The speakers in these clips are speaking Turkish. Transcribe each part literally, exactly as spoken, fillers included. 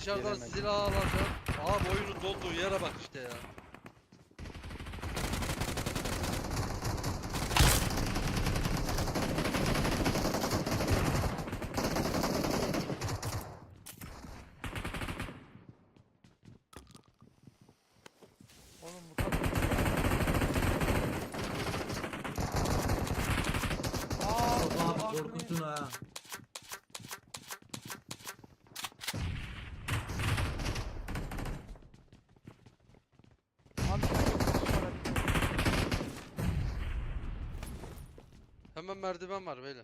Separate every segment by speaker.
Speaker 1: Dışarıdan
Speaker 2: Gelemedim.
Speaker 1: silah alacağım. Abi oyunun donduğu yere bak işte ya.
Speaker 3: Oğlum bu kadar. Aa,
Speaker 4: Abi
Speaker 3: bu
Speaker 4: korkutun ha.
Speaker 3: Abi,
Speaker 1: Hemen merdiven var böyle.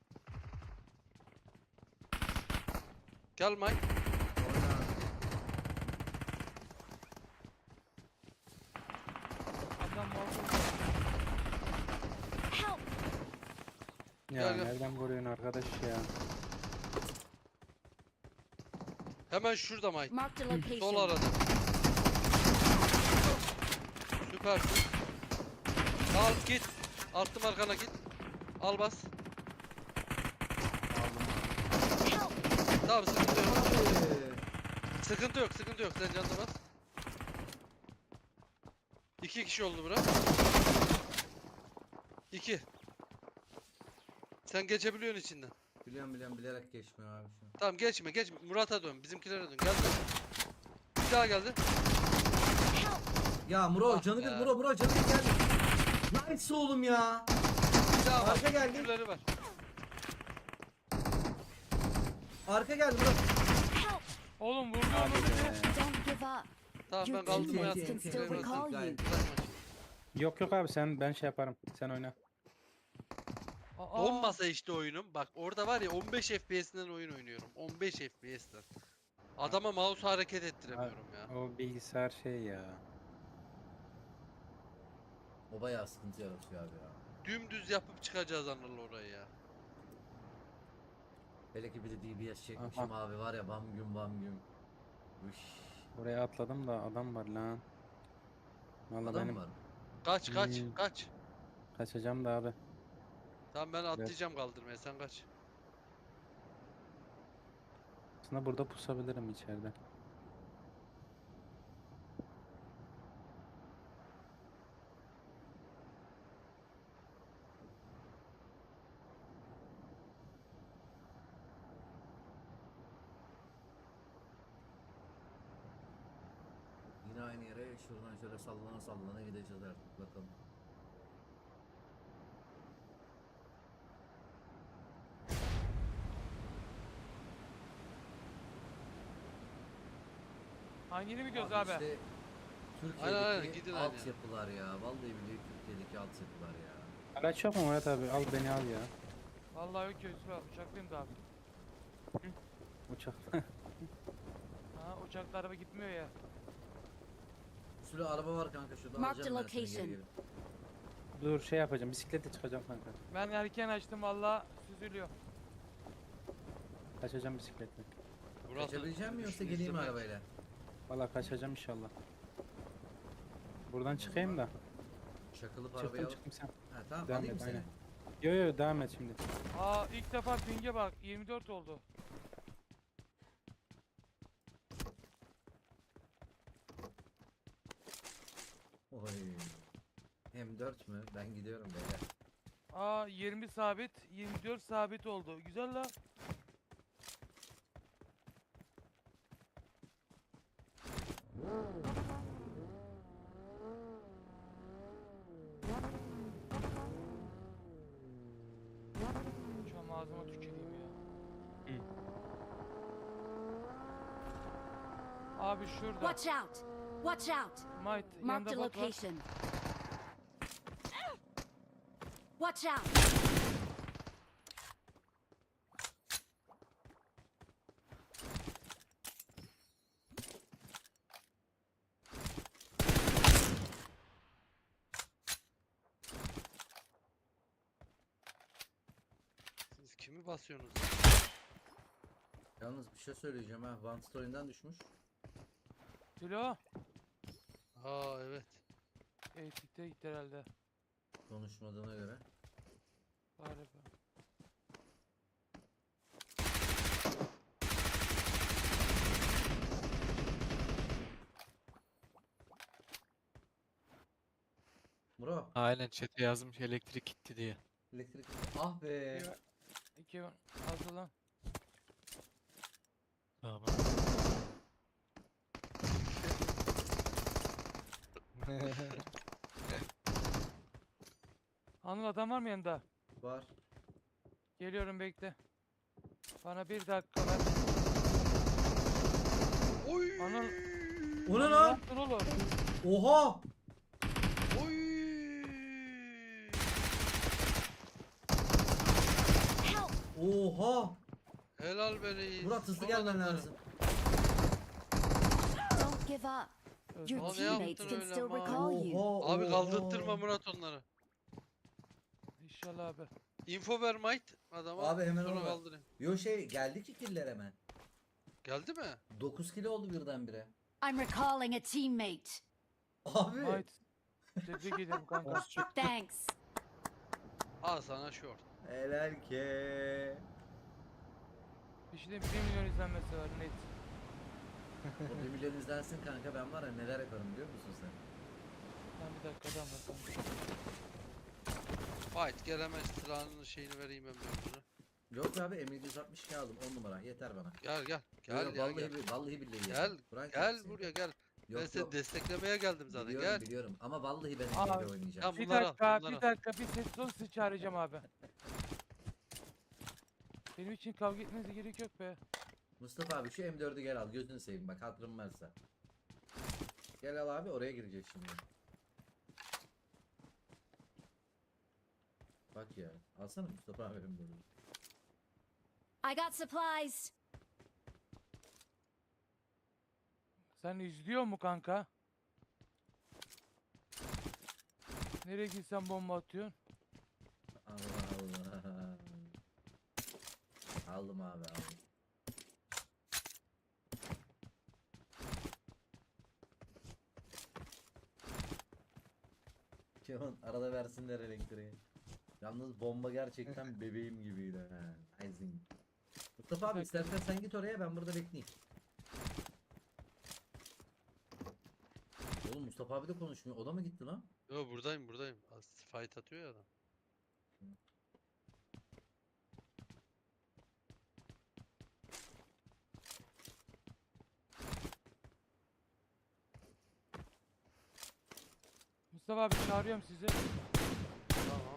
Speaker 1: Gel Mike.
Speaker 3: adam oldu.
Speaker 5: Help!
Speaker 2: Ya
Speaker 1: Gel, gel.
Speaker 2: nereden vuruyorsun arkadaş ya?
Speaker 1: Hemen şurada Mike.
Speaker 5: Marked a
Speaker 1: Sol
Speaker 5: location.
Speaker 1: arada. Süpersin. Al git. Attım arkana git. Al bas.
Speaker 5: Help!
Speaker 1: Tamam sıkıntı yok.
Speaker 4: Abi.
Speaker 1: Sıkıntı yok sıkıntı yok. Sen canına bas. İki kişi oldu bura. İki. Sen geçebiliyorsun içinden.
Speaker 4: Biliyorum biliyorum bilerek geçmiyor abi şu an.
Speaker 1: Tamam geçme geçme. Murat'a dön. Bizimkilere dön. Gel dön. Bir daha geldi.
Speaker 5: Help!
Speaker 4: Ya Muro
Speaker 1: Ah
Speaker 4: canı
Speaker 1: ya.
Speaker 4: bir Muro Muro canı bir geldi. Nice oğlum ya.
Speaker 1: Bir daha var.
Speaker 4: Arka geldi.
Speaker 1: Birileri var.
Speaker 4: Arka geldi Muro.
Speaker 5: Help!
Speaker 3: Oğlum vurdu
Speaker 2: Hadi
Speaker 3: onu
Speaker 2: be.
Speaker 3: beni.
Speaker 5: Don't give up.
Speaker 1: Tamam ben
Speaker 5: Your
Speaker 1: kaldım
Speaker 4: teammates
Speaker 1: hayatım.
Speaker 4: can still
Speaker 1: Bitiremezsin.
Speaker 5: recall you.
Speaker 4: Gayet.
Speaker 2: Yok yok abi sen ben şey yaparım. Sen oyna.
Speaker 3: Aa,
Speaker 1: Donmasa işte oyunum. Bak orada var ya on beş F P S'den oyun oynuyorum. on beş F P S'den. Adama mouse hareket ettiremiyorum ya.
Speaker 2: O bilgisayar şey ya.
Speaker 4: O bayağı sıkıntı yaratıyor abi ya.
Speaker 1: Dümdüz yapıp çıkacağız Anıl orayı ya.
Speaker 4: Hele ki bir de D B S çekmişim abi var ya bam güm bam güm. Üş.
Speaker 2: Buraya atladım da adam var lan. Vallahi
Speaker 4: Adam
Speaker 2: benim
Speaker 4: var.
Speaker 1: Kaç kaç
Speaker 2: Hmm.
Speaker 1: kaç.
Speaker 2: kaçacağım da abi.
Speaker 1: Tamam ben atlayacağım kaldırmaya sen kaç.
Speaker 2: Aslında burada pusabilirim içeride.
Speaker 4: Yine aynı yere şuradan şöyle sallana sallana gideceğiz artık bakalım.
Speaker 3: hangini mi gidiyoruz abi?
Speaker 4: İşte
Speaker 1: Aynen, aynen,
Speaker 4: Türkiye'deki
Speaker 1: gidin aynı
Speaker 4: altyapılar ya. Vallahi billahi Türkiye'deki altyapılar ya.
Speaker 2: Araç yok mu Murat abi? Al beni al ya.
Speaker 3: Vallahi yok ki Yusuf abi, uçaklıyım da abi.
Speaker 2: Uçak.
Speaker 3: Ha, uçakla araba gitmiyor ya.
Speaker 4: Bir sürü araba var kanka şurada
Speaker 5: Mark the
Speaker 4: alacağım ben seni
Speaker 5: location.
Speaker 4: geri geri.
Speaker 2: Dur şey yapacağım. Bisikletle çıkacağım kanka.
Speaker 3: Ben erken açtım valla, süzülüyor.
Speaker 2: Kaçacağım bisikletle.
Speaker 1: Murat'ı
Speaker 4: Kaçabileceğim mi yoksa
Speaker 1: düşün,
Speaker 4: geleyim mi
Speaker 1: izleme.
Speaker 4: arabayla?
Speaker 2: Vallahi kaçacağım inşallah. Buradan çıkayım da.
Speaker 4: Çakılıp arabaya
Speaker 2: Çıktım
Speaker 4: alıp.
Speaker 2: çıktım sen.
Speaker 4: Ha tamam
Speaker 2: Devam
Speaker 4: alayım
Speaker 2: et,
Speaker 4: seni.
Speaker 2: aynen. Yo yo devam et şimdi.
Speaker 3: Aa, ilk defa pinge bak, yirmi dört oldu.
Speaker 4: Oy. M dört mü? Ben gidiyorum beyler.
Speaker 3: Aa, yirmi sabit, yirmi dört sabit oldu. Güzel la. Şu an ağzıma tüküreyim ya.
Speaker 2: Hı.
Speaker 3: Abi şurada.
Speaker 5: Watch out! Watch out!
Speaker 3: Might,
Speaker 5: Marked
Speaker 3: yanında
Speaker 5: a
Speaker 3: bot var.
Speaker 5: location. Watch out!
Speaker 1: Siz kimi basıyorsunuz?
Speaker 4: Yalnız bir şey söyleyeceğim ha. One Story'den düşmüş.
Speaker 3: Tilo.
Speaker 1: Aa evet.
Speaker 3: Eğitikte gitti herhalde.
Speaker 4: Konuşmadığına göre.
Speaker 3: Galiba.
Speaker 4: Bro.
Speaker 6: Aynen chat'e yazmış elektrik gitti diye.
Speaker 4: Elektrik. Ah be.
Speaker 3: İki, iki hazır lan.
Speaker 6: Tamam.
Speaker 3: Anıl adam var mı yanında?
Speaker 4: Var.
Speaker 3: Geliyorum bekle. Bana bir dakika ver.
Speaker 1: Oy!
Speaker 3: Anıl.
Speaker 4: O ne
Speaker 3: Anıl
Speaker 4: lan?
Speaker 3: yaptın oğlum?
Speaker 4: Oha.
Speaker 1: Oy!
Speaker 5: Help!
Speaker 4: Oha.
Speaker 1: Helal be reis.
Speaker 4: Murat hızlı
Speaker 1: Son
Speaker 4: gelmen
Speaker 1: adamları.
Speaker 4: lazım.
Speaker 5: Don't give up. Your
Speaker 1: Abi
Speaker 5: teammates
Speaker 1: yaptın
Speaker 5: can
Speaker 1: öyle
Speaker 5: still
Speaker 1: ama.
Speaker 5: recall you.
Speaker 4: Oha.
Speaker 1: Abi
Speaker 4: oha.
Speaker 1: kaldırttırma Murat onları.
Speaker 3: İnşallah abi.
Speaker 1: Info ver Might adama.
Speaker 4: Abi hemen
Speaker 1: sonra
Speaker 4: orada.
Speaker 1: kaldırayım.
Speaker 4: Yo şey geldi ki killer hemen.
Speaker 1: Geldi mi?
Speaker 4: dokuz kilo oldu birdenbire.
Speaker 5: I'm recalling a teammate.
Speaker 4: Abi.
Speaker 3: Ait. Tebrik ederim kanka.
Speaker 5: Thanks.
Speaker 1: Al sana short.
Speaker 4: Helal ki.
Speaker 3: Bir şey diyeyim, bir milyon izlenmesi var net.
Speaker 4: O bir milyon izlensin kanka, ben var ya neler yaparım biliyor musun sen?
Speaker 3: Lan bir dakika adam var kanka.
Speaker 1: Might gelemez silahının şeyini vereyim ben böyle.
Speaker 4: Yok abi M yedi yüz altmış iki aldım on numara yeter bana.
Speaker 1: Gel gel. Gel
Speaker 4: Yok,
Speaker 1: ya
Speaker 4: vallahi,
Speaker 1: gel.
Speaker 4: bi- vallahi billahi
Speaker 1: Gel,
Speaker 4: yeter. Kur'an
Speaker 1: Gel
Speaker 4: çarpsın
Speaker 1: buraya
Speaker 4: yeter.
Speaker 1: gel. ben
Speaker 4: Yok
Speaker 1: seni
Speaker 4: yok.
Speaker 1: desteklemeye geldim zaten
Speaker 4: Biliyorum
Speaker 1: gel.
Speaker 4: biliyorum ama vallahi ben
Speaker 3: Aa,
Speaker 4: M yedi oynayacağım.
Speaker 1: Tamam.
Speaker 3: Bir
Speaker 1: Bunları al,
Speaker 3: dakika,
Speaker 1: bunları al.
Speaker 3: bir dakika, bir sessiz olun, sizi çağıracağım abi. Benim için kavga etmenize gerek yok be.
Speaker 4: Mustafa abi şu M dördü gel al, gözünü seveyim bak, hatırım varsa. Gel al abi, oraya girecek şimdi. Bak ya, alsana Mustafa abi M dördü.
Speaker 5: I got supplies.
Speaker 3: Sen izliyor mu kanka? Nereye gitsen bomba atıyorsun?
Speaker 4: Allah Allah. Aldım abi aldım. Kemal arada versinler elektriği. Yalnız bomba gerçekten bebeğim gibiydi. Ha, amazing. Mustafa abi istersen sen git oraya, ben burada bekleyeyim. Oğlum Mustafa abi de konuşmuyor. O da mı gitti lan?
Speaker 1: Yo buradayım buradayım. Az fight atıyor ya adam.
Speaker 3: Mustafa abi çağırıyorum sizi.
Speaker 1: Tamam.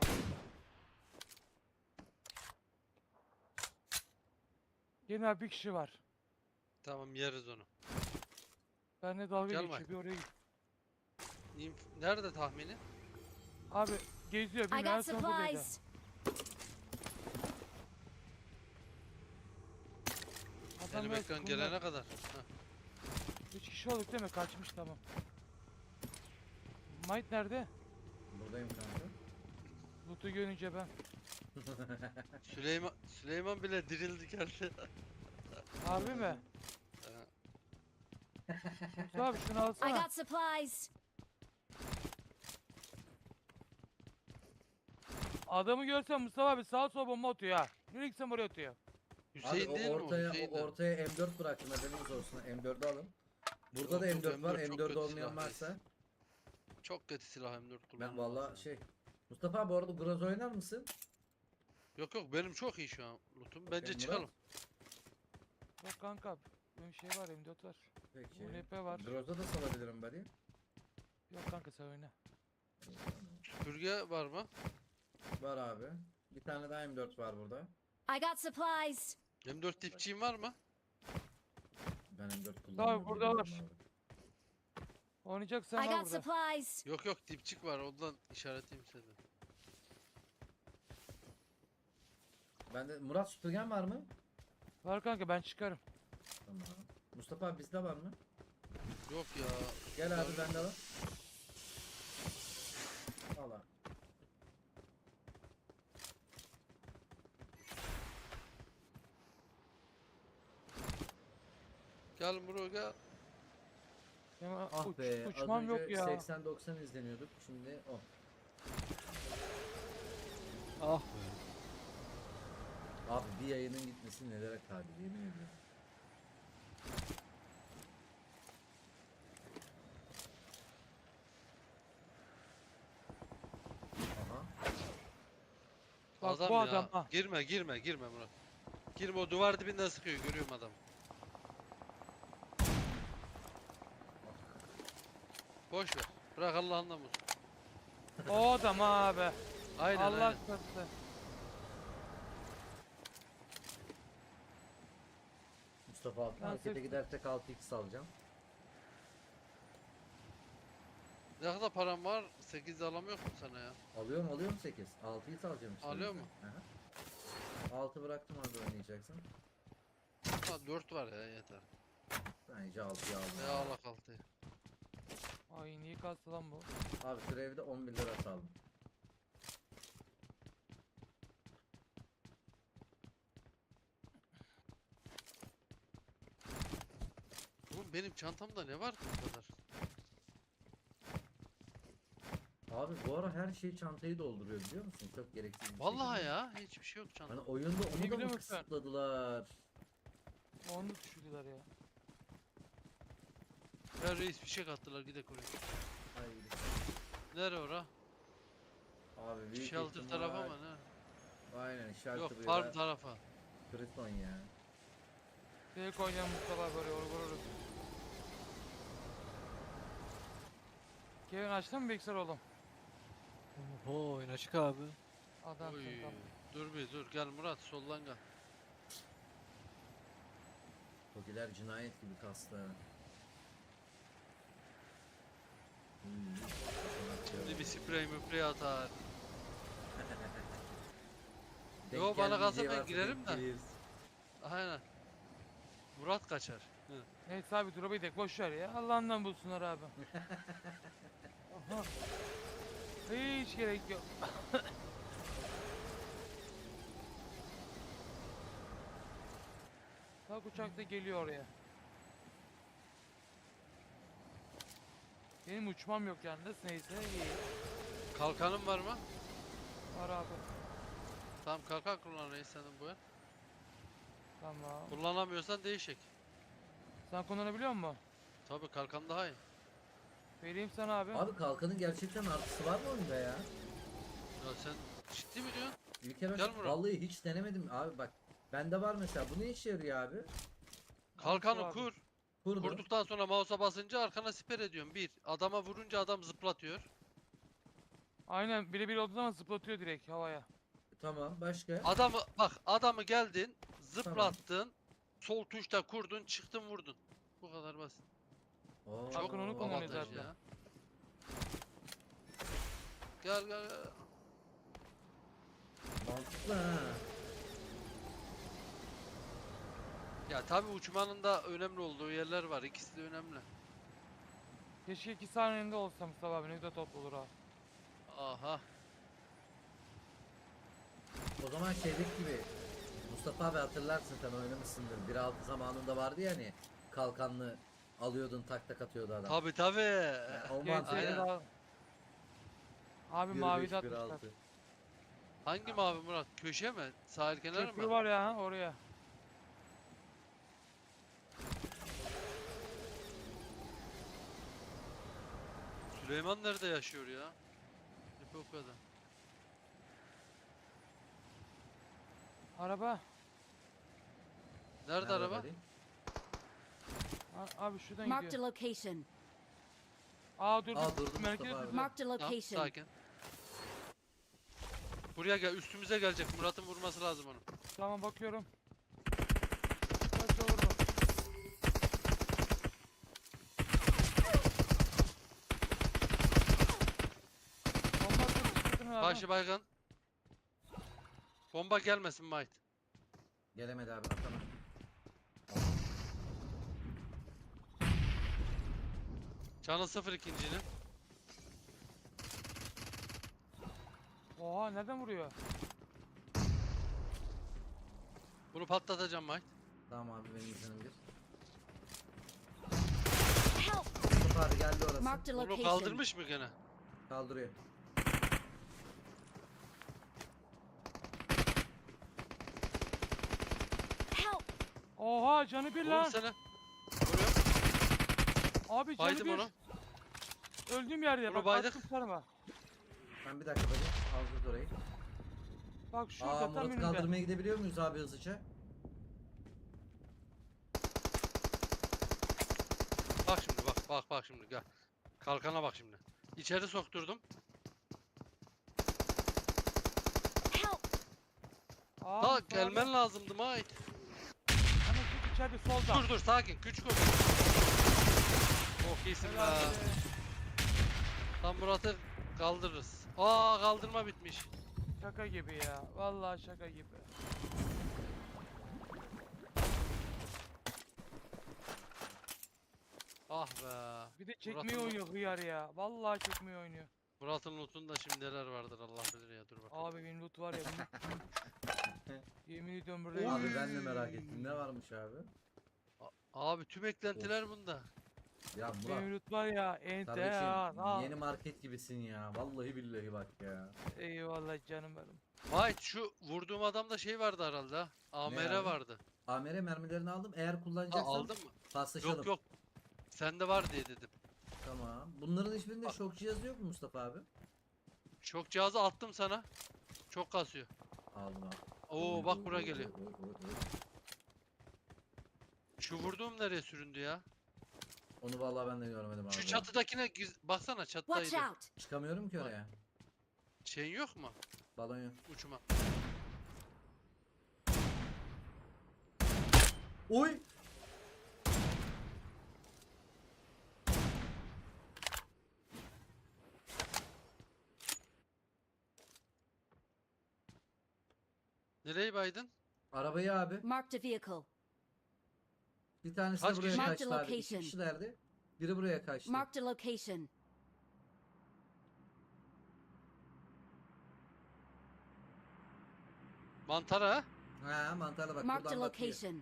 Speaker 3: Gelin abi, bir kişi var.
Speaker 1: Tamam yeriz onu.
Speaker 3: Benle dalga
Speaker 1: Gel
Speaker 3: geçiyor,
Speaker 1: Mike.
Speaker 3: bir oraya git.
Speaker 1: Inf- Nerede tahmini?
Speaker 3: Abi geziyor,
Speaker 5: I
Speaker 3: binanın
Speaker 5: got
Speaker 3: son buradaydı.
Speaker 5: supplies.
Speaker 3: Adam
Speaker 1: Benim
Speaker 3: biraz
Speaker 1: ekran
Speaker 3: kumda.
Speaker 1: gelene kadar. Heh.
Speaker 3: Üç kişi olduk değil mi? Kaçmış, tamam. Might nerede?
Speaker 4: Buradayım kanka.
Speaker 3: Loot'u görünce ben.
Speaker 1: Süleyman Süleyman bile dirildi geldi.
Speaker 3: Harbi mi?
Speaker 1: Ee,
Speaker 3: Mustafa abi şunu
Speaker 5: I
Speaker 3: alsana.
Speaker 5: got supplies.
Speaker 3: Adamı görsen Mustafa abi sağa sola bomba atıyor ha. Nereye gitsem oraya atıyor.
Speaker 1: Hüseyin
Speaker 4: Abi
Speaker 1: değil
Speaker 4: o
Speaker 1: mi o?
Speaker 4: ortaya,
Speaker 1: Hüseyin
Speaker 4: o
Speaker 1: de.
Speaker 4: ortaya M dört bıraktım, haberiniz olsun. M dördü alın. Burada da
Speaker 1: Yok,
Speaker 4: M dört var.
Speaker 1: M dört çok
Speaker 4: M dört
Speaker 1: kötü
Speaker 4: olmayan
Speaker 1: silah
Speaker 4: varsa.
Speaker 1: Çok kötü silah M dört
Speaker 4: Ben
Speaker 1: kullanmam
Speaker 4: valla
Speaker 1: lazım.
Speaker 4: şey. Mustafa abi bu arada Groz oynar mısın?
Speaker 1: Yok yok benim çok iyi şu an lootum. Bence
Speaker 4: Murat?
Speaker 1: çıkalım.
Speaker 3: Yok kanka. Benim şey var, M dört var.
Speaker 4: Peki.
Speaker 3: U N P var.
Speaker 4: Groz'da da salabilirim bari.
Speaker 3: Yok kanka, sen oyna.
Speaker 1: Süpürge var mı?
Speaker 4: Var abi. Bir tane daha M dört var burada.
Speaker 5: I got supplies.
Speaker 1: M dört dipçiğin var mı?
Speaker 4: Ben M dört kullanıyorum.
Speaker 3: burada var.
Speaker 4: bilmiyorum
Speaker 3: Oynayacaksan
Speaker 5: I
Speaker 3: al
Speaker 5: got
Speaker 3: burada.
Speaker 5: supplies.
Speaker 1: Yok yok dipçik var ondan işaretleyeyim size.
Speaker 4: abi. Bende Murat süpürgen var mı?
Speaker 3: Var kanka, ben çıkarım.
Speaker 4: Tamam. Mustafa abi bizde var mı?
Speaker 1: Yok ya.
Speaker 4: Gel abi bende var. Al abi.
Speaker 1: Gel bro gel.
Speaker 3: Ya,
Speaker 4: Ah
Speaker 3: uç,
Speaker 4: be,
Speaker 3: uçmam
Speaker 4: az
Speaker 3: yok
Speaker 4: önce
Speaker 3: ya.
Speaker 4: seksen doksan izleniyorduk, şimdi o.
Speaker 6: Ah be.
Speaker 4: Abi bir yayının gitmesi nelere kadir, yemin ediyorum.
Speaker 1: adam
Speaker 3: bu
Speaker 1: ya.
Speaker 3: adam, ha.
Speaker 1: Girme girme girme Murat. Girme, o duvar dibinden sıkıyor, görüyorum adam. Boş ver. Bırak Allah'ından bulsun.
Speaker 3: O adam abi.
Speaker 1: Aynen
Speaker 3: Allah
Speaker 1: aynen.
Speaker 3: korusun.
Speaker 4: Mustafa abi
Speaker 3: Ben
Speaker 4: markete
Speaker 3: seçtim.
Speaker 4: gidersek altı x alacağım.
Speaker 1: Ne kadar param var? sekiz alamıyor mu sana ya?
Speaker 4: Alıyorum alıyorum sekiz. altı x alacağım işte.
Speaker 1: Alıyor
Speaker 4: o yüzden. Hı hı. altı bıraktım orada oynayacaksın.
Speaker 1: Ha, dört var ya, yeter.
Speaker 4: Bence altıyı aldım.
Speaker 1: Ya Allah kalktı.
Speaker 3: Ay niye kastı lan bu?
Speaker 4: Abi şu evde on bir lira saldım.
Speaker 1: Oğlum benim çantamda ne var ki bu kadar?
Speaker 4: Abi bu ara her şey çantayı dolduruyor biliyor musun? Çok gereksiz bir
Speaker 1: Vallahi
Speaker 4: şekilde.
Speaker 1: ya, hiçbir şey yok
Speaker 4: Hani
Speaker 1: çantamda.
Speaker 4: oyunda onu da
Speaker 3: biliyor
Speaker 4: mı
Speaker 3: musun?
Speaker 4: kısıtladılar?
Speaker 3: Onu düşürdüler ya.
Speaker 1: Ya reis bir şey kattılar, gidek oraya.
Speaker 4: Ay,
Speaker 1: Nere ora?
Speaker 4: abi büyük
Speaker 1: Shelter
Speaker 4: ihtimal-
Speaker 1: tarafa mı ne?
Speaker 4: Aynen shelter
Speaker 1: Yok,
Speaker 4: ya
Speaker 1: farm
Speaker 4: da
Speaker 1: tarafa.
Speaker 4: Kriton ya.
Speaker 3: Tek oynayan Mustafa böyle vur vururuz. Kevin açtın mı bilgisayar oğlum?
Speaker 6: Oo oyun açık abi.
Speaker 3: Adam
Speaker 1: Oy.
Speaker 3: tamam.
Speaker 1: Dur bir dur, gel Murat, soldan gel.
Speaker 4: Tokiler cinayet gibi kastı. Hmm.
Speaker 1: Şimdi bir sprey müprey atar.
Speaker 4: Denk
Speaker 1: Yo, bana kalsa
Speaker 4: gelmeyeceği
Speaker 1: ben
Speaker 4: varsa
Speaker 1: girerim
Speaker 4: denk
Speaker 1: de.
Speaker 4: geliriz.
Speaker 1: Aynen. Murat kaçar. Hı.
Speaker 3: Neyse abi drop'u gidelim boş ver ya. Allah'ından bulsunlar abi. Aha. Hiç gerek yok. Bak uçak da geliyor oraya. Benim uçmam yok yalnız neyse iyi.
Speaker 1: Kalkanın var mı?
Speaker 3: Var abi.
Speaker 1: Tamam, kalkan kullan reis senin bu el.
Speaker 3: Tamam.
Speaker 1: Kullanamıyorsan değişik.
Speaker 3: Sen kullanabiliyor musun?
Speaker 1: Tabii kalkan daha iyi.
Speaker 3: Vereyim sana abi.
Speaker 4: Abi kalkanın gerçekten artısı var mı oyunda ya?
Speaker 1: Ya sen ciddi mi diyorsun?
Speaker 4: İlker
Speaker 1: Gel
Speaker 4: Hoca
Speaker 1: Murat.
Speaker 4: vallahi hiç denemedim abi bak. Bende var mesela. Bu ne işe yarıyor abi?
Speaker 1: Kalkanı
Speaker 3: abi.
Speaker 1: kur.
Speaker 4: Kurdum.
Speaker 1: Kurduktan sonra mouse'a basınca arkana siper ediyorsun. Bir. Adama vurunca adam zıplatıyor.
Speaker 3: Aynen birebir olduğu zaman zıplatıyor direkt havaya.
Speaker 4: Tamam başka?
Speaker 1: Adamı bak, adamı geldin, zıplattın, sol tuşta kurdun, çıktın vurdun. Bu kadar basit.
Speaker 4: Oo,
Speaker 1: Çok
Speaker 3: Hakan onu kullanıyor
Speaker 1: avantaj
Speaker 3: zaten.
Speaker 1: ya. Gel gel gel.
Speaker 4: Mantıklı ha.
Speaker 1: Ya tabi uçmanın da önemli olduğu yerler var. İkisi de önemli.
Speaker 3: Keşke iki saniyende olsa Mustafa abi ne güzel top olur ha.
Speaker 1: Aha.
Speaker 4: O zaman şeydeki gibi Mustafa abi hatırlarsın sen oynamışsındır. bir altı zamanında vardı ya hani kalkanlı alıyordun tak tak atıyordu adam.
Speaker 1: Tabi tabi.
Speaker 4: Yani o
Speaker 3: G T
Speaker 4: mantık.
Speaker 1: Aynen.
Speaker 3: daha... Abi
Speaker 4: bir
Speaker 3: mavi
Speaker 4: beş,
Speaker 3: de
Speaker 4: bir
Speaker 3: atmışlar.
Speaker 4: altı.
Speaker 1: Hangi mavi Murat? Köşe mi? Sahil kenarı
Speaker 3: Köprü
Speaker 1: mı?
Speaker 3: var ya ha, oraya.
Speaker 1: Süleyman nerede yaşıyor ya? Hep o kadar.
Speaker 3: Araba.
Speaker 1: Nerede
Speaker 4: Nerede
Speaker 1: araba?
Speaker 4: vereyim?
Speaker 3: A- abi şuradan
Speaker 5: Marked a
Speaker 3: gidiyor.
Speaker 5: location.
Speaker 3: Aa dur
Speaker 4: Aa,
Speaker 3: dur.
Speaker 4: durdu
Speaker 3: Merkez
Speaker 4: Mustafa abi.
Speaker 3: durdu.
Speaker 5: Marked a
Speaker 1: Tamam,
Speaker 5: location.
Speaker 1: sakin. Buraya gel, üstümüze gelecek. Murat'ın vurması lazım onu.
Speaker 3: Tamam bakıyorum. Kaç vurdum. Bomba atıyor, sıkıntı ne abi?
Speaker 1: Karşı baygın. Bomba gelmesin Might.
Speaker 4: Gelemedi abi atama.
Speaker 1: Canı sıfır ikincinin.
Speaker 3: Oha nereden vuruyor?
Speaker 1: Bunu patlatacağım Might.
Speaker 4: Tamam abi benim iznim bir.
Speaker 5: Help!
Speaker 4: Mustafa abi geldi orası.
Speaker 5: Marked a
Speaker 1: Bunu
Speaker 5: location.
Speaker 1: kaldırmış mı gene?
Speaker 4: Kaldırıyor.
Speaker 5: Help!
Speaker 3: Oha canı bir
Speaker 1: Vur
Speaker 3: lan.
Speaker 1: seni. Vuruyorum.
Speaker 3: Abi canı
Speaker 1: Baydım
Speaker 3: bir.
Speaker 1: onu.
Speaker 3: Öldüğüm yerde
Speaker 1: Bunu
Speaker 3: bak
Speaker 1: baydık.
Speaker 3: attım sarıma.
Speaker 4: Ben bir dakika bakayım. Aldı orayı.
Speaker 3: Bak
Speaker 4: Aa
Speaker 3: şurada tam
Speaker 4: Murat
Speaker 3: önümde.
Speaker 4: kaldırmaya gidebiliyor muyuz abi hızlıca?
Speaker 1: Bak şimdi bak bak bak şimdi gel. Kalkana bak şimdi. İçeri sokturdum.
Speaker 5: Help!
Speaker 3: Aa,
Speaker 1: Da
Speaker 3: Mustafa abi.
Speaker 1: gelmen lazımdı Mait.
Speaker 3: Hemen şu içeride solda.
Speaker 1: Dur dur sakin güç koy. Çok iyisin
Speaker 3: Helal
Speaker 1: be.
Speaker 3: be.
Speaker 1: Tam Murat'ı kaldırırız. Aa kaldırma bitmiş.
Speaker 3: Şaka gibi ya. Vallahi şaka gibi.
Speaker 1: Ah be.
Speaker 3: Bir de çekmeyi
Speaker 1: Murat'ın-
Speaker 3: oynuyor hıyar ya. Vallahi çekmeyi oynuyor.
Speaker 1: Murat'ın lootunda şimdi neler vardır Allah bilir ya dur bakalım.
Speaker 3: Abi benim loot var ya. Benim... Yemin ediyorum burada.
Speaker 4: Abi ben de merak ettim. Ne varmış abi?
Speaker 1: Abi tüm eklentiler bunda.
Speaker 4: Ya
Speaker 3: Benim
Speaker 4: Murat.
Speaker 3: loot var ya. Ente ya.
Speaker 4: Kardeşim
Speaker 3: ha.
Speaker 4: yeni market gibisin ya. Vallahi billahi bak ya.
Speaker 3: Eyvallah canım benim.
Speaker 1: Mait şu vurduğum adamda şey vardı herhalde ha. A M R
Speaker 4: abi?
Speaker 1: vardı.
Speaker 4: A M R mermilerini aldım. Eğer
Speaker 1: Ha,
Speaker 4: kullanacaksan
Speaker 1: aldın mı?
Speaker 4: paslaşalım.
Speaker 1: Yok yok. Sende var diye dedim.
Speaker 4: Tamam. Bunların hiçbirinde
Speaker 1: Bak.
Speaker 4: şok cihazı yok mu Mustafa abi?
Speaker 1: Şok cihazı attım sana. Çok kasıyor.
Speaker 4: Aldım abi.
Speaker 1: Oo
Speaker 4: Oy,
Speaker 1: bak
Speaker 4: oy,
Speaker 1: buraya
Speaker 4: oy,
Speaker 1: geliyor.
Speaker 4: oy, oy, oy, oy.
Speaker 1: Şu vurduğum nereye süründü ya?
Speaker 4: Onu vallahi ben de görmedim abi.
Speaker 1: Şu çatıdakine giz- baksana
Speaker 5: Watch
Speaker 1: çatıdaydı.
Speaker 5: out!
Speaker 4: Çıkamıyorum ki oraya.
Speaker 1: Şeyin yok mu?
Speaker 4: Balon yok.
Speaker 1: Uçma.
Speaker 4: Oy!
Speaker 1: Nereye baydın?
Speaker 4: Arabayı abi.
Speaker 5: Marked a vehicle.
Speaker 4: Bir tanesi
Speaker 1: Kaç
Speaker 4: de buraya
Speaker 1: kişi?
Speaker 5: Mark the
Speaker 4: kaçtı abi. İki
Speaker 5: location.
Speaker 4: kişilerdi. Biri buraya kaçtı.
Speaker 5: Marked a location.
Speaker 1: Mantara ha?
Speaker 4: Ha mantarla bak
Speaker 5: Marked a
Speaker 4: buradan bakıyor.
Speaker 5: location.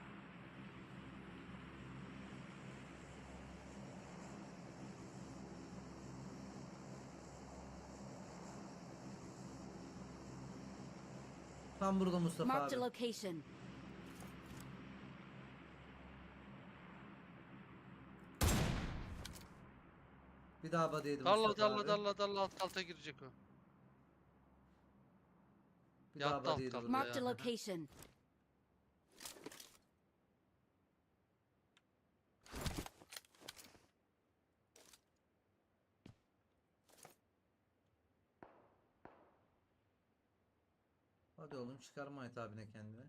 Speaker 4: Tam burada Mustafa
Speaker 5: Marked a
Speaker 4: abi.
Speaker 5: location.
Speaker 4: Bir daha badeydi
Speaker 1: Dalla
Speaker 4: Mustafa
Speaker 1: dalla
Speaker 4: abi.
Speaker 1: dalla dalla alt kalta girecek o.
Speaker 4: Bir daha
Speaker 1: Yattı alt
Speaker 4: badeydi
Speaker 1: kaldı.
Speaker 4: burada.
Speaker 5: Marked a
Speaker 1: ya.
Speaker 5: location.
Speaker 4: Hadi oğlum çıkarma Ait abine kendine.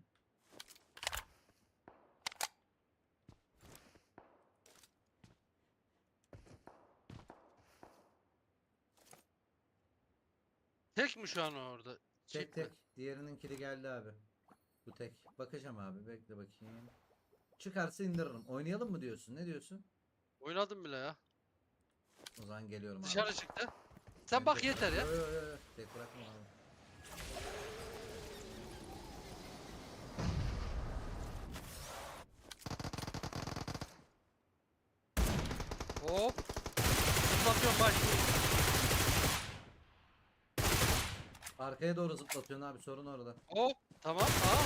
Speaker 1: Tek mi şu an o orada?
Speaker 4: Tek
Speaker 1: Çift mi?
Speaker 4: tek. Diğerinin kili geldi abi. Bu tek. Bakacağım abi. Bekle bakayım. Çıkarsa indiririm. Oynayalım mı diyorsun? Ne diyorsun?
Speaker 1: Oynadım bile ya.
Speaker 4: O zaman geliyorum abi.
Speaker 1: Dışarı çıktı. Sen bak yeter ya.
Speaker 4: Yo, yo, yo, yo. Tek bırakma abi.
Speaker 1: Hop. Uzatıyorum bak.
Speaker 4: Arkaya doğru zıplatıyorsun abi. Sorun orada.
Speaker 1: Hop. Tamam. Aa.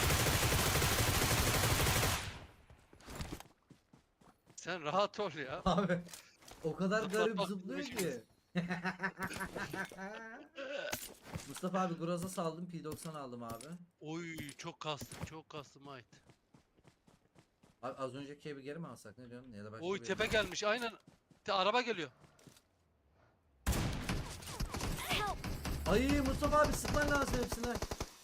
Speaker 1: Sen rahat ol ya.
Speaker 4: Abi o kadar
Speaker 1: Zıplatmak
Speaker 4: garip zıplıyor
Speaker 1: bizim
Speaker 4: ki. Mustafa abi Groza saldım. P doksan aldım abi.
Speaker 1: Oy çok kastım çok kastım ait.
Speaker 4: Abi az önceki evi geri mi alsak ne diyorsun? Ya da başka
Speaker 1: Oy
Speaker 4: bir
Speaker 1: tepe
Speaker 4: ev mi?
Speaker 1: gelmiş aynen. Te- araba geliyor.
Speaker 5: Help!
Speaker 4: Ay Mustafa abi sıkman lazım hepsine.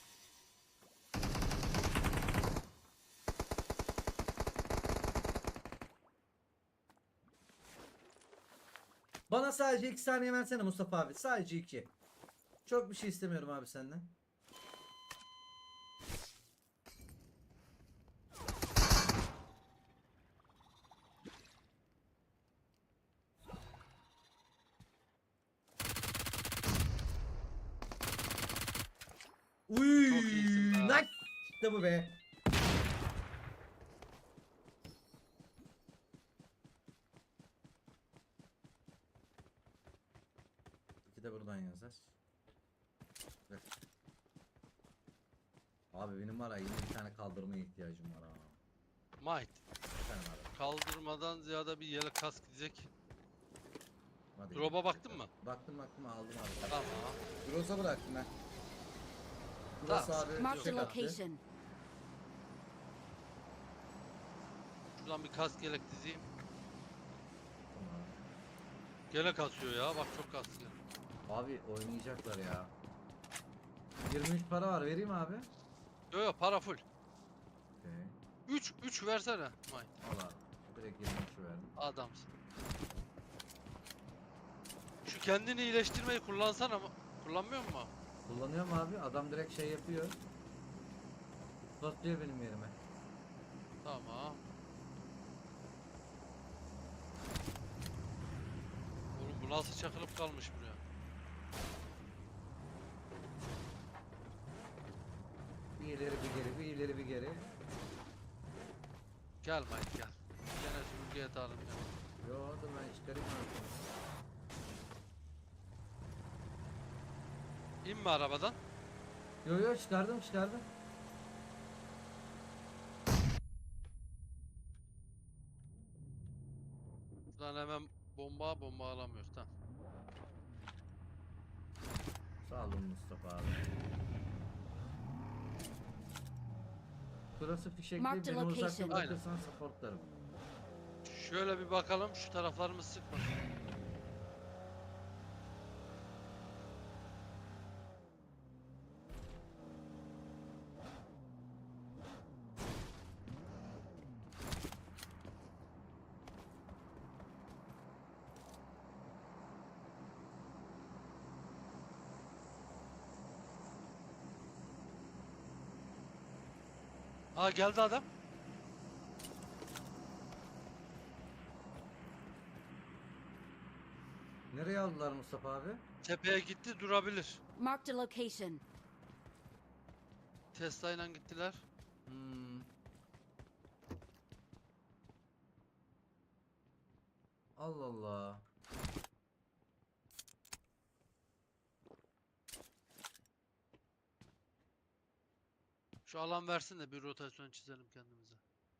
Speaker 4: Bana sadece iki saniye versene Mustafa abi. Sadece iki. Çok bir şey istemiyorum abi senden. Uy,
Speaker 1: Çok iyisin be.
Speaker 4: nak. İşte bu be. İki de buradan yazar. Evet. Abi benim var ya yine bir tane kaldırmaya ihtiyacım var ha.
Speaker 1: Might.
Speaker 4: Bir tane var.
Speaker 1: Kaldırmadan ziyade bir yelek kask diyecek.
Speaker 4: Hadi
Speaker 1: Drop'a
Speaker 4: gidelim.
Speaker 1: baktın mı?
Speaker 4: Baktım baktım aldım abi.
Speaker 1: Tamam.
Speaker 4: Groza bıraktım ben. Burası
Speaker 1: Tamam,
Speaker 4: abi.
Speaker 5: Marked a
Speaker 4: tek attı.
Speaker 5: location.
Speaker 1: Şuradan bir kask yelek dizeyim.
Speaker 4: Tamam.
Speaker 1: Gene kasıyor ya. Bak çok kasıyor.
Speaker 4: Abi oynayacaklar ya. yirmi üç para var, vereyim abi.
Speaker 1: Yo yo para full.
Speaker 4: Okey.
Speaker 1: üç üç versene. May.
Speaker 4: Al abi. Direkt yirmi üçü verdim.
Speaker 1: Adamsın. Şu kendini iyileştirmeyi kullansana ama kullanmıyor mu?
Speaker 4: Kullanıyorum abi. Adam direkt şey yapıyor. Basıyor benim yerime.
Speaker 1: Tamam. Oğlum bu nasıl çakılıp kalmış buraya?
Speaker 4: Bir ileri bir geri, bir ileri bir geri.
Speaker 1: Gel Mike gel. Gene süpürgeye atalım ya.
Speaker 4: Yo dur ben çıkarayım abi.
Speaker 1: İnme arabadan.
Speaker 4: Yo yo çıkardım çıkardım.
Speaker 1: Buradan hemen bomba bomba alamıyoruz tamam.
Speaker 4: Sağ olun Mustafa abi. Burası fişekli,
Speaker 5: Marked
Speaker 4: beni
Speaker 5: location.
Speaker 4: uzakta
Speaker 1: Aynen.
Speaker 4: bırakırsan supportlarım.
Speaker 1: Şöyle bir bakalım şu taraflarımız sıkmasın. Aa geldi adam.
Speaker 4: Nereye aldılar Mustafa abi?
Speaker 1: Tepeye gitti durabilir.
Speaker 5: Marked a location.
Speaker 1: Tesla ile gittiler.
Speaker 4: Hmm. Allah Allah.
Speaker 1: Şu alan versin de bir rotasyon çizelim kendimize.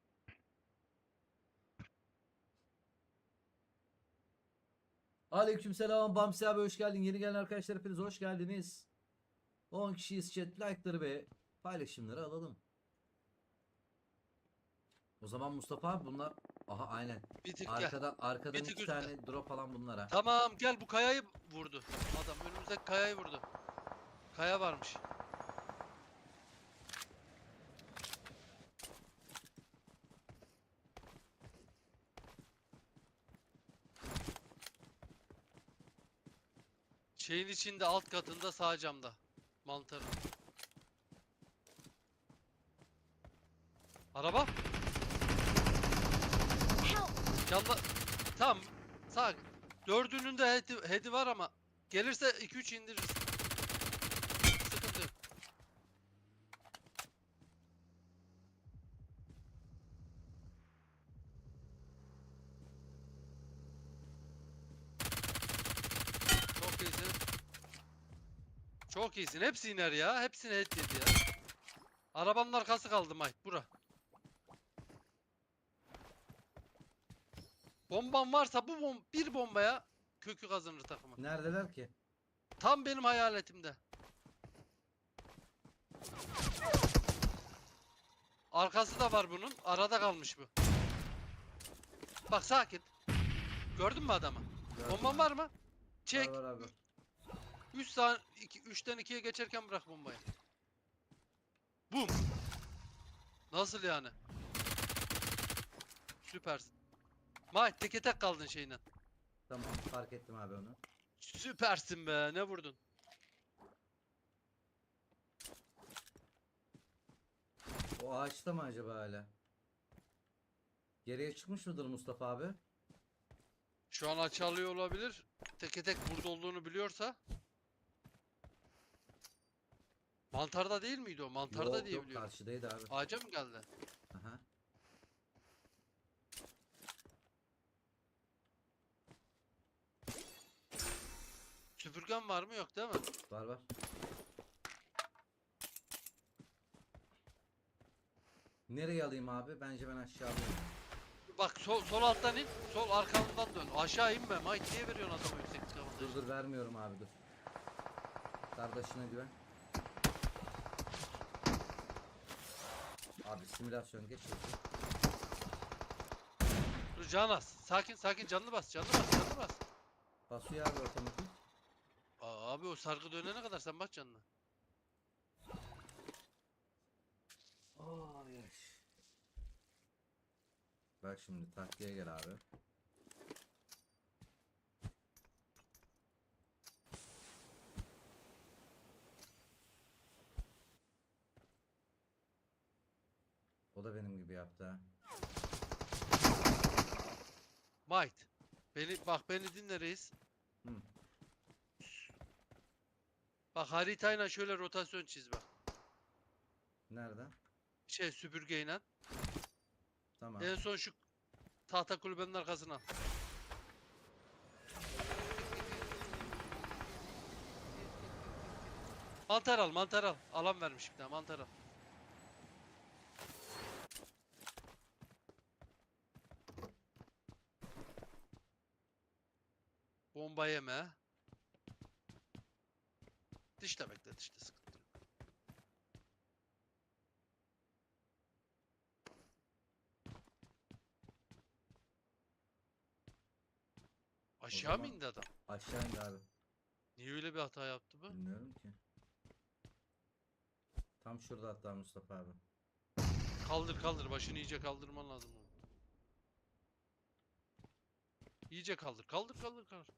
Speaker 4: Aleykümselam Bamsi abi, hoş geldin. Yeni gelen arkadaşlar hepiniz hoş geldiniz. on kişiyiz chat, like'ları ve paylaşımları alalım. O zaman Mustafa abi bunlar, aha aynen.
Speaker 1: Bir tık gel.
Speaker 4: Arkadan arkadan
Speaker 1: Bir tık
Speaker 4: iki
Speaker 1: üstte.
Speaker 4: tane drop falan bunlara.
Speaker 1: Tamam gel bu kayayı vurdu. Adam önümüzdeki kayayı vurdu. Kaya varmış. Şeyin içinde alt katında sağ camda. Mantarı. Araba.
Speaker 5: Help!
Speaker 1: Yanla. Tamam. Sağ. Dördünün de headi, headi var ama gelirse iki üç indiririz. Sıkıntı yok. Çok iyisin. Çok iyisin. Hepsi iner ya. Hepsini head yedi ya. Arabanın arkası kaldı Mike. Bura. Bomban varsa bu bom bir bombaya kökü kazanır takımın.
Speaker 4: Neredeler ki?
Speaker 1: Tam benim hayaletimde. Arkası da var bunun. Arada kalmış bu. Bak sakin. Gördün mü adamı?
Speaker 4: Gördüm
Speaker 1: Bomban
Speaker 4: abi.
Speaker 1: var mı? Çek.
Speaker 4: Var var abi.
Speaker 1: üç saniye üçten ikiye geçerken bırak bombayı. Bum. Nasıl yani? Süpersin. May teke tek kaldın şeyle.
Speaker 4: Tamam, fark ettim abi onu.
Speaker 1: Süpersin be. Ne vurdun?
Speaker 4: O ağaçta mı acaba hala? Geriye çıkmış mıdır Mustafa abi?
Speaker 1: Şu an açı alıyor olabilir. Teke tek burada olduğunu biliyorsa. Mantarda değil miydi o? Mantarda
Speaker 4: yok
Speaker 1: diye
Speaker 4: yok,
Speaker 1: biliyorum.
Speaker 4: karşıdaydı abi.
Speaker 1: Ağaca mı geldi?
Speaker 4: Aha.
Speaker 1: Süpürgen var mı? Yok değil mi?
Speaker 4: Var var. Nereye alayım abi? Bence ben aşağı alayım.
Speaker 1: Bak sol, sol alttan in. Sol arkamdan dön. Aşağı inme. Mike niye veriyorsun adama yüksek
Speaker 4: Dur
Speaker 1: kafada?
Speaker 4: dur vermiyorum abi dur. Kardeşine güven. Abi simülasyon geçiyor.
Speaker 1: Dur Canas. Sakin sakin canını bas canını bas canını bas.
Speaker 4: Basıyor abi otomatik.
Speaker 1: Aa, abi o sargı dönene kadar sen bas canına.
Speaker 4: Ay, ay. Bak şimdi taktiğe gel abi. O da benim gibi yaptı ha.
Speaker 1: Might. Beni bak beni dinle reis.
Speaker 4: Hı.
Speaker 1: Bak haritayla şöyle rotasyon çiz bak.
Speaker 4: Nerede?
Speaker 1: Şey süpürgeyle.
Speaker 4: Tamam.
Speaker 1: En son şu tahta kulübenin arkasına al. Mantar al mantar al. Alan vermiş bir tane mantar al. Bomba yeme. Dışta bekle dışta sıkıntı yok. Aşağı mı
Speaker 4: zaman-
Speaker 1: indi adam?
Speaker 4: Aşağı indi abi.
Speaker 1: Niye öyle bir hata yaptı bu?
Speaker 4: Bilmiyorum ki. Tam şurada hatta Mustafa abi.
Speaker 1: Kaldır kaldır başını iyice kaldırman lazım onu. İyice kaldır kaldır kaldır kaldır.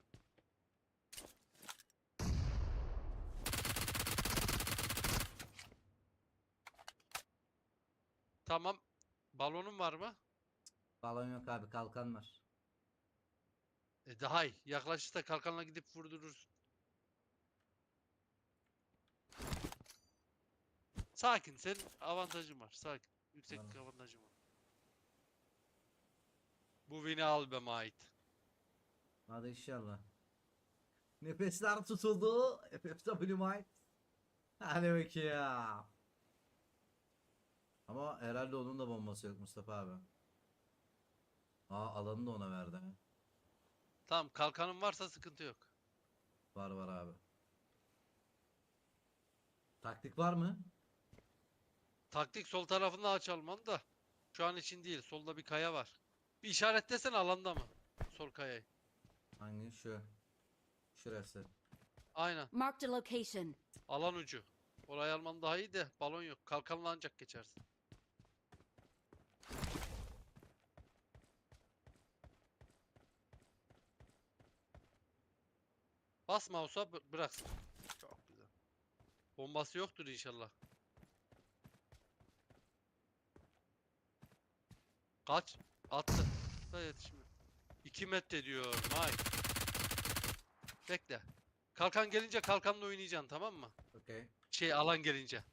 Speaker 1: Tamam. Balonun var mı?
Speaker 4: Balon yok abi, kalkan var.
Speaker 1: E daha iyi. Yaklaşırsa kalkanla gidip vurdurursun. Sakin. Senin avantajın var. Sakin. Yükseklik
Speaker 4: Tamam.
Speaker 1: avantajın var. Bu win'i al be Mait.
Speaker 4: Hadi inşallah. Nefesler tutuldu. F F W Might. Hadi bakayım. Ama herhalde onun da bombası yok Mustafa abi. Aa, alanı da ona verdi. ha.
Speaker 1: Tamam kalkanın varsa sıkıntı yok.
Speaker 4: Var var abi. Taktik var mı?
Speaker 1: Taktik sol tarafında aç Alman da. Şu an için değil. Solda bir kaya var. Bir işaretlesene alanda mı? Sol kayayı.
Speaker 4: Hangi? Şu. Şurası.
Speaker 5: Aynen. Marked a location.
Speaker 1: Alan ucu. Orayı alman daha iyi de balon yok. Kalkanla ancak geçersin. Bas mouse'a bı- bıraksın. Çok güzel. Bombası yoktur inşallah. Kaç? Attı. Da yetişmiyor. iki metre diyor. May. Bekle. Kalkan gelince kalkanla oynayacaksın tamam mı?
Speaker 4: Okey.
Speaker 1: Şey alan gelince.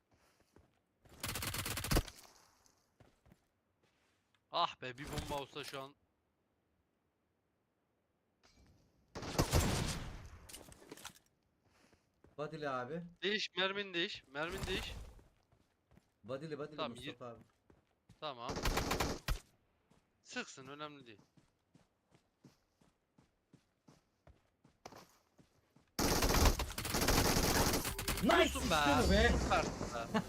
Speaker 1: Ah be bir bomba olsa şu an.
Speaker 4: Badili abi.
Speaker 1: Değiş mermin değiş. Mermin değiş.
Speaker 4: Badili badili
Speaker 1: Tamam, yir-
Speaker 4: Mustafa abi.
Speaker 1: Tamam. Sıksın önemli değil.
Speaker 4: Nice
Speaker 1: Olsun
Speaker 4: işte
Speaker 1: be.
Speaker 4: bu be.
Speaker 1: Süpersin be.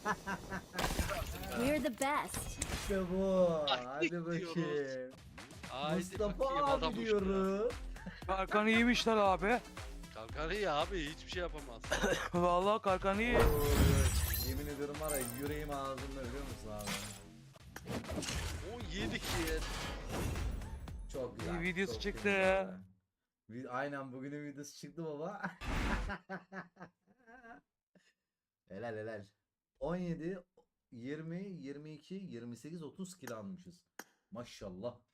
Speaker 5: We're the best.
Speaker 4: İşte bu.
Speaker 1: Taktik
Speaker 4: Hadi bakayım.
Speaker 1: diyoruz. Haydi
Speaker 4: Mustafa
Speaker 1: bakayım, adam
Speaker 4: abi
Speaker 1: uçtu.
Speaker 4: diyorum.
Speaker 3: Kalkan iyiymişler abi.
Speaker 1: Kalkan iyi abi hiçbir şey yapamaz.
Speaker 3: Vallahi kalkan iyi.
Speaker 4: Oy, yemin ediyorum var ya, yüreğim ağzımda, biliyor musun abi?
Speaker 1: on yedi kill.
Speaker 4: Çok güzel.
Speaker 3: İyi videosu
Speaker 4: çok
Speaker 3: çıktı
Speaker 4: güzel.
Speaker 3: ya.
Speaker 4: Vi- Aynen, bugünün videosu çıktı baba. Helal helal. on yedi, yirmi, yirmi iki, yirmi sekiz, otuz kill almışız. Maşallah.